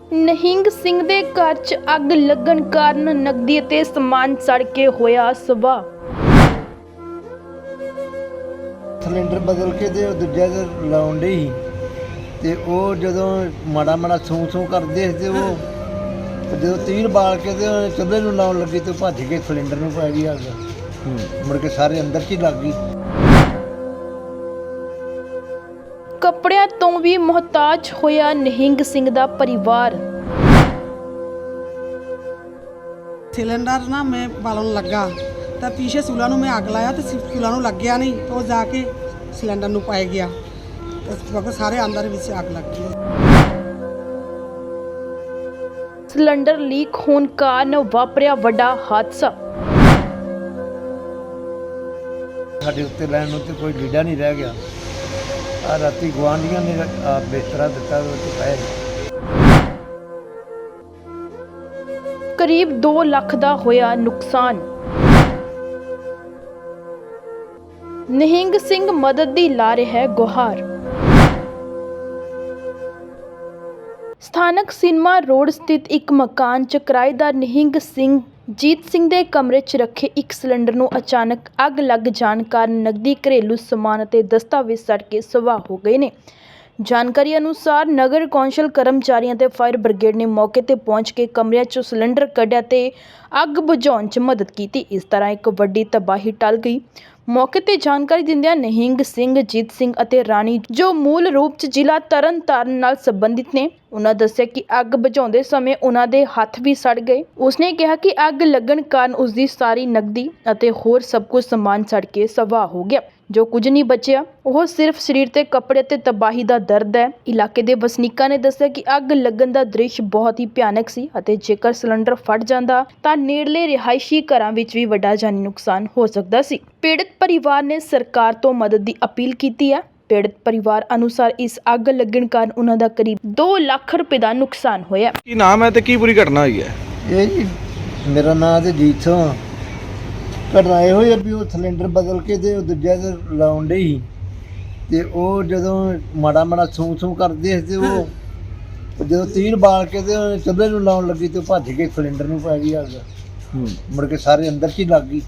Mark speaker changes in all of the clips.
Speaker 1: ਨਿਹੰਗ ਸਿੰਘ ਦੇ ਘਰ 'ਚ ਅੱਗ ਲੱਗਣ ਕਾਰਨ ਨਕਦੀ ਅਤੇ ਸਮਾਨ ਸੜ ਕੇ ਹੋਇਆ ਸਵਾਹ।
Speaker 2: ਸਿਲੰਡਰ ਬਦਲ ਕੇ ਤੇ ਦੂਜਾ ਤੇ ਲਾਉਣ ਡਈ ਸੀ ਤੇ ਉਹ ਜਦੋਂ ਮਾੜਾ ਮਾੜਾ ਸੂੰ ਕਰਦੇ ਤੇ ਉਹ ਜਦੋਂ ਤੀਰ ਬਾਲ ਕੇ ਤੇ ਚੁੱਲ੍ਹੇ ਨੂੰ ਲਾਉਣ ਲੱਗੀ ਤੇ ਭੱਜ ਕੇ ਸਿਲੰਡਰ ਨੂੰ ਪੈ ਗਈ ਅੱਗ। ਮੁੜ ਕੇ ਸਾਰੇ ਅੰਦਰ 'ਚ ਹੀ ਲੱਗ ਗਈ।
Speaker 1: ਕੱਪੜਿਆਂ ਤੋਂ ਵੀ ਮੁਹਤਾਜ ਹੋਇਆ ਨਿਹੰਗ ਸਿੰਘ ਦਾ ਪਰਿਵਾਰ।
Speaker 3: सिलेंडर ना मैं बालन लगा तो पीछे चूल्हा में आग लाया तो चूल्हा लग गया नहीं तो जाके सिलेंडर नू पाई गया तो सारे अंदर भी आग लग गई।
Speaker 1: ਸਿਲੰਡਰ ਲੀਕ ਹੋਣ ਕਾਰਨ ਵਾਪਰਿਆ ਵੱਡਾ ਹਾਦਸਾ।
Speaker 2: ਸਾਡੇ ਉੱਤੇ ਲੈਣ ਨੂੰ ਤੇ ਕੋਈ ਲੀੜਾ ਨਹੀਂ ਰਹਿ ਗਿਆ। ਆ ਰਾਤੀ ਗੁਆਂਢੀਆਂ ਨੇ ਬਿਸਤਰਾ ਦਿੱਤਾ ਉਹ ਪੈ
Speaker 1: ਕਰੀਬ 2 ਲੱਖ ਦਾ ਹੋਇਆ ਨੁਕਸਾਨ। ਨਿਹੰਗ ਸਿੰਘ ਮਦਦ ਦੀ ਲਾ ਰਿਹਾ ਹੈ ਗੁਹਾਰ। ਸਥਾਨਕ ਸਿਨੇਮਾ ਰੋਡ ਸਥਿਤ ਇੱਕ ਮਕਾਨ 'ਚ ਕਿਰਾਏਦਾਰ ਨਿਹੰਗ ਸਿੰਘ ਜੀਤ ਸਿੰਘ ਦੇ ਕਮਰੇ 'ਚ ਰੱਖੇ ਇੱਕ ਸਿਲੰਡਰ ਨੂੰ ਅਚਾਨਕ ਅੱਗ ਲੱਗ ਜਾਣ ਕਾਰਨ ਨਕਦੀ, ਘਰੇਲੂ ਸਮਾਨ ਅਤੇ ਦਸਤਾਵੇਜ਼ ਸੜ ਕੇ ਸਵਾਹ ਹੋ ਗਏ ਨੇ। ਜਾਣਕਾਰੀ ਅਨੁਸਾਰ ਨਗਰ ਕੌਂਸਲ ਕਰਮਚਾਰੀਆਂ ਤੇ ਫਾਇਰ ਬ੍ਰਿਗੇਡ ਨੇ ਮੌਕੇ ਤੇ ਪਹੁੰਚ ਕੇ ਕਮਰਿਆਂ 'ਚੋਂ ਸਿਲੰਡਰ ਕੱਢਿਆ ਤੇ ਅੱਗ ਬੁਝਾਉਣ 'ਚ ਮਦਦ ਕੀਤੀ। ਇਸ ਤਰ੍ਹਾਂ ਇੱਕ ਵੱਡੀ ਤਬਾਹੀ ਟਲ ਗਈ। ਮੌਕੇ ਤੇ ਜਾਣਕਾਰੀ ਦਿੰਦਿਆਂ ਨਿਹੰਗ ਸਿੰਘ ਜੀਤ ਸਿੰਘ ਅਤੇ ਰਾਣੀ, ਜੋ ਮੂਲ ਰੂਪ 'ਚ ਜ਼ਿਲ੍ਹਾ ਤਰਨਤਾਰਨ ਨਾਲ ਸੰਬੰਧਿਤ ਨੇ, ਉਹਨਾਂ ਦੱਸਿਆ ਕਿ ਅੱਗ ਬੁਝਾਉਂਦੇ ਸਮੇਂ ਉਹਨਾਂ ਦੇ ਹੱਥ ਵੀ ਸੜ ਗਏ। ਉਸਨੇ ਕਿਹਾ ਕਿ ਅੱਗ ਲੱਗਣ ਕਾਰਨ ਉਸਦੀ ਸਾਰੀ ਨਕਦੀ ਅਤੇ ਹੋਰ ਸਭ ਕੁਝ ਸਮਾਨ ਸੜ ਕੇ ਸਵਾਹ ਹੋ ਗਿਆ। ਜੋ ਕੁਝ ਨਹੀਂ ਬਚਿਆ ਉਹ ਸਿਰਫ ਸਰੀਰ ਤੇ ਕੱਪੜੇ ਤੇ ਤਬਾਹੀ ਦਾ ਦਰਦ ਹੈ। ਇਲਾਕੇ ਦੇ ਵਸਨੀਕਾਂ ਨੇ ਦੱਸਿਆ ਕਿ ਅੱਗ ਲੱਗਣ ਦਾ ਦ੍ਰਿਸ਼ ਬਹੁਤ ਹੀ ਭਿਆਨਕ ਸੀ ਅਤੇ ਜੇਕਰ ਸਿਲੰਡਰ ਫਟ ਜਾਂਦਾ ਤਾਂ ਨੇੜਲੇ ਰਿਹਾਇਸ਼ੀ ਘਰਾਂ ਵਿੱਚ ਵੀ ਵੱਡਾ ਜਾਨੀ ਨੁਕਸਾਨ ਹੋ ਸਕਦਾ ਸੀ। ਪੀੜਤ ਪਰਿਵਾਰ ਨੇ ਸਰਕਾਰ ਤੋਂ ਮਦਦ ਦੀ ਅਪੀਲ ਕੀਤੀ ਹੈ। ਪੀੜਤ ਪਰਿਵਾਰ ਅਨੁਸਾਰ ਇਸ ਅੱਗ ਲੱਗਣ ਕਾਰਨ ਉਹਨਾਂ ਦਾ ਕਰੀਬ 2 ਲੱਖ ਰੁਪਏ ਦਾ ਨੁਕਸਾਨ ਹੋਇਆ।
Speaker 4: ਕੀ ਨਾਮ ਹੈ ਤੇ ਕੀ ਪੂਰੀ ਘਟਨਾ ਹੋਈ ਹੈ?
Speaker 2: ਇਹ ਜੀ ਮੇਰਾ ਨਾਂ ਤੇ ਜੀਤ ਸਿੰਘ। ਘਟਨਾ ਇਹੋ ਹੀ ਆ ਵੀ ਉਹ ਸਿਲੰਡਰ ਬਦਲ ਕੇ ਤੇ ਦੂਜਾ ਤੇ ਲਾਉਣ ਡਈ ਸੀ ਤੇ ਉਹ ਜਦੋਂ ਮਾੜਾ ਮਾੜਾ ਸੂੰ ਕਰਦੇ ਤੇ ਉਹ ਜਦੋਂ ਤੀਰ ਬਾਲ ਕੇ ਤੇ ਚੁੱਲ੍ਹੇ ਨੂੰ ਲਾਉਣ ਲੱਗੀ ਤੇ ਭੱਜ ਕੇ ਸਿਲੰਡਰ ਨੂੰ ਪੈ ਗਈ ਅੱਗ। ਮੁੜ ਕੇ ਸਾਰੇ ਅੰਦਰ 'ਚ ਹੀ ਲੱਗ ਗਈ।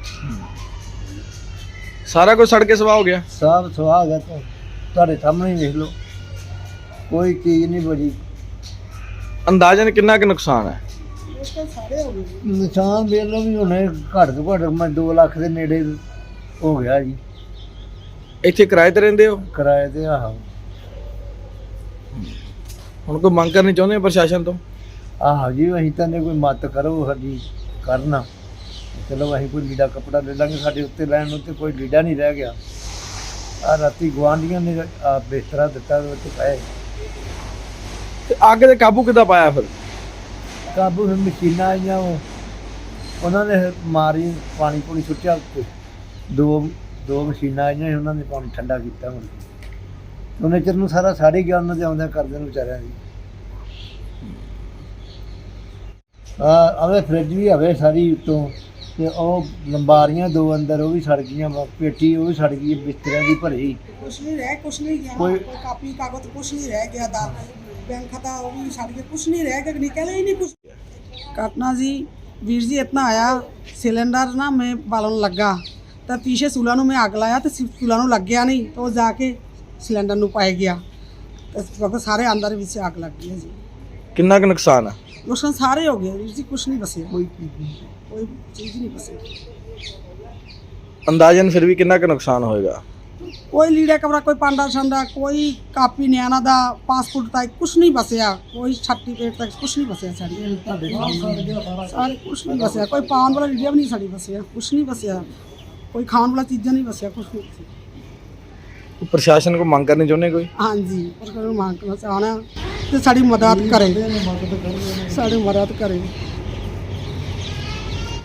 Speaker 4: ਸਾਰਾ ਕੁਝ ਸੜ ਕੇ ਸਵਾਹ ਹੋ ਗਿਆ।
Speaker 2: ਸਭ ਸੁਆਹ ਗਿਆ ਤੁਹਾਡੇ ਸਾਹਮਣੇ ਹੀ ਵੇਖ ਲਓ, ਕੋਈ ਚੀਜ਼ ਨਹੀਂ ਬਚੀ।
Speaker 4: ਅੰਦਾਜ਼ਨ ਕਿੰਨਾ ਕੁ ਨੁਕਸਾਨ ਹੈ?
Speaker 2: ਨਿਸ਼ਾਨ ਵੇਖ ਲਓ ਵੀ ਹੁਣੇ ਘੱਟ ਤੋਂ ਘੱਟ ਮੈਂ 2 ਲੱਖ ਦੇ ਨੇੜੇ ਹੋ ਗਿਆ ਜੀ।
Speaker 4: ਇੱਥੇ ਕਿਰਾਏ ਤੇ ਰਹਿੰਦੇ ਹੋ?
Speaker 2: ਕਿਰਾਏ ਤੇ ਆਹੋ।
Speaker 4: ਹੁਣ ਕੋਈ ਮੰਗ ਕਰਨੀ ਚਾਹੁੰਦੇ ਹੋ ਪ੍ਰਸ਼ਾਸਨ ਤੋਂ?
Speaker 2: ਆਹੋ ਜੀ, ਅਸੀਂ ਤਾਂ ਨੇ ਕੋਈ ਮਦਦ ਕਰੋ ਸਾਡੀ ਕਰਨਾ। ਚਲੋ ਅਸੀਂ ਕੋਈ ਲੀੜਾ ਕੱਪੜਾ ਲੈ ਲਾਂਗੇ, ਸਾਡੇ ਉੱਤੇ ਲੈਣ ਨੂੰ ਤੇ ਕੋਈ ਲੀੜਾ ਨਹੀਂ ਰਹਿ ਗਿਆ। ਆ ਰਾਤੀ ਗੁਆਂਢੀਆਂ ਨੇ ਬਿਸਤਰਾ ਦਿੱਤਾ ਉਹ ਤੇ ਪਏ।
Speaker 4: ਤੇ ਅੱਗ ਤੇ ਕਾਬੂ ਕਿੱਦਾਂ ਪਾਇਆ ਫਿਰ?
Speaker 2: ਕਾਬੂ ਫਿਰ ਮਸ਼ੀਨਾਂ ਆਈਆਂ, ਉਹਨਾਂ ਨੇ ਮਾਰੀ ਪਾਣੀ ਪੂਣੀ ਸੁੱਟਿਆ ਉੱਤੇ। ਦੋ ਮਸ਼ੀਨਾਂ ਆਈਆਂ, ਉਹਨਾਂ ਨੇ ਪਾਣੀ ਠੰਡਾ ਕੀਤਾ। ਹੁਣ ਉਹਨੇ ਚਿਰ ਨੂੰ ਸਾਰਾ ਸਾੜੀ ਗਿਆ ਉਹਨਾਂ ਦੇ ਆਉਂਦਿਆਂ ਕਰਦੇ ਨੂੰ ਵਿਚਾਰਿਆਂ ਦੀ। ਆਵੇ ਫਰਿੱਜ ਵੀ ਹਵੇ ਸਾਰੀ ਉੱਤੋਂ ਤੇ ਉਹ ਲੰਬਾਰੀਆਂ 2 ਅੰਦਰ ਉਹ ਵੀ ਸੜ ਗਈਆਂ। ਪੇਟੀ ਉਹ ਵੀ ਸੜ ਗਈ, ਬਿਸਤਰਿਆਂ ਦੀ ਭਰੀ।
Speaker 3: कुछ नहीं रह गया, कोई कापी कागज कुछ नहीं रह गया था। बैंक खाता वो भी सड़ गया, कुछ नहीं रह गया, निकला ही नहीं कुछ। घटना जी वीर जी इतना आया, सिलेंडर ना मैं बालन लगा तो पीछे चूल्हा में आग लाया तो चूल्हा लग गया नहीं तो जाके सिलेंडर नू पाई गया तो सारे अंदर भी आग लग गई जी।
Speaker 4: ਕਿੰਨਾ ਕੁ ਨੁਕਸਾਨ ਹੈ?
Speaker 3: नुकसान सारे हो गए वीर जी, कुछ नहीं बचे, कोई चीज़ नहीं बची।
Speaker 4: ਅੰਦਾਜ਼ਨ ਫਿਰ ਵੀ ਕਿੰਨਾ ਕੁ ਨੁਕਸਾਨ ਹੋਏਗਾ?
Speaker 3: कोई लीड़ा कपड़ा, कोई पांडा छंडा, कोई कापी न्याना दा, पासपोर्ट तक कुछ नहीं बचया, कोई सर्टिफिकेट तक कुछ नहीं बचया सारे कुछ नहीं बचया। कोई पान वाला लीड़ा भी नहीं साड़ी बचया, कुछ नहीं बचया। कोई खाने वाला चीज़ा नहीं बचया, कुछ नहीं बचया।
Speaker 4: ਪ੍ਰਸ਼ਾਸਨ ਕੋ ਮੰਗ ਕਰਨੀ ਚਾਹੁੰਦੇ ਕੋਈ?
Speaker 3: हाँ जी, पर मांग करना चाहना तो साड़ी मदद करें, साड़ी मदद करें।